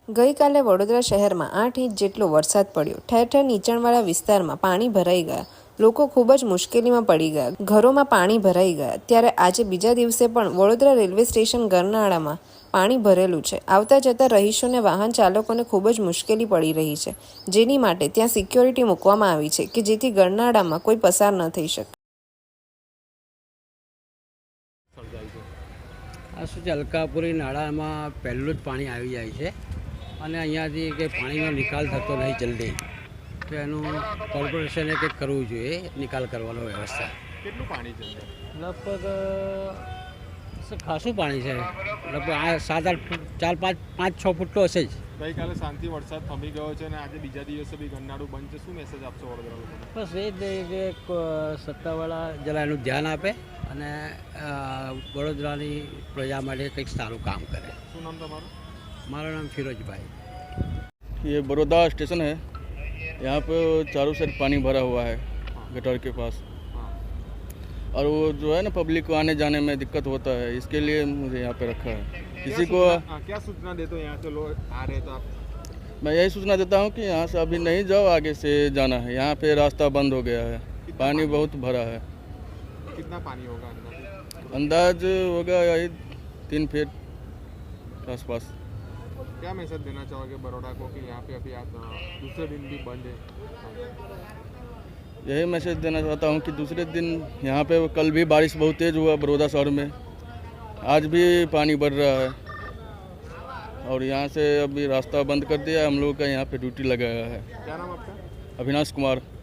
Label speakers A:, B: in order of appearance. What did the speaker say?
A: ગઈકાલે વડોદરા શહેરમાં 8 ઇંચ જેટલો વરસાદ પડ્યો। ઠેર ઠેર નીચાણવાળા વિસ્તારમાં પાણી ભરાઈ ગયા। લોકો ખૂબ જ મુશ્કેલીમાં પડી ગયા। ઘરોમાં પાણી ભરાઈ ગયા। ત્યારે આજે બીજા દિવસે પણ વડોદરા રેલવે સ્ટેશન ગરનાળામાં પાણી ભરેલું છે। આવતા જતા રહીશોને વાહન ચાલકોને ખૂબ જ મુશ્કેલી પડી રહી છે, જેની માટે ત્યાં સિક્યોરિટી મૂકવામાં આવી છે કે જેથી ગરનાળામાં કોઈ પસાર ન થઈ શકે।
B: આ શું છે, અલકાપુરી નાળામાં પહેલું જ પાણી આવી જાય છે અને અહીંયાથી કે પાણીનો નિકાલ થતો નહીં જલ્દી, તો એનું કોર્પોરેશને કંઈક કરવું જોઈએ, નિકાલ કરવાનો વ્યવસ્થા।
C: કેટલું પાણી છે?
B: લગભગ ખાસું પાણી છે, લગભગ આ 7-8 ફૂટ 4-5-6 ફૂટ તો હશે જ।
C: ગઈકાલે શાંતિ વરસાદ થમી ગયો છે અને આજે બીજા દિવસે બી ગરનાળું બંધ છે, શું મેસેજ આપશો વડોદરા લોકોને?
B: બસ એ જ કે સત્તાવાળા જરા એનું ધ્યાન આપે અને વડોદરાની પ્રજા માટે કંઈક સારું કામ કરે।
C: શું નામ તમારું?
B: મારું નામ ફિરોજ ભાઈ।
D: ये बड़ौदा स्टेशन है, यहाँ पे चारों साइड पानी भरा हुआ है गटर के पास, और वो जो है ना पब्लिक को आने जाने में दिक्कत होता है, इसके लिए मुझे यहाँ पे रखा है। किसी को
C: क्या सूचना देते हो? यहाँ से लोग आ रहे तो आप?
D: मैं यही सूचना देता हूँ कि यहाँ से अभी नहीं जाओ, आगे से जाना है। यहाँ पे रास्ता बंद हो गया है, पानी बहुत भरा है।
C: कितना पानी होगा
D: अंदाज होगा यही 3 फीट आसपास।
C: क्या मैसेज देना चाहोगे बड़ौदा को कि यहाँ पे अभी आज दूसरे दिन भी बंद है?
D: यही मैसेज देना चाहता हूँ कि दूसरे दिन यहाँ पे कल भी बारिश बहुत तेज़ हुआ बड़ौदा शहर में, आज भी पानी बढ़ रहा है, और यहाँ से अभी रास्ता बंद कर दिया। हम लोग का यहाँ पे ड्यूटी लगाया है।
C: क्या नाम आपका?
D: अविनाश कुमार।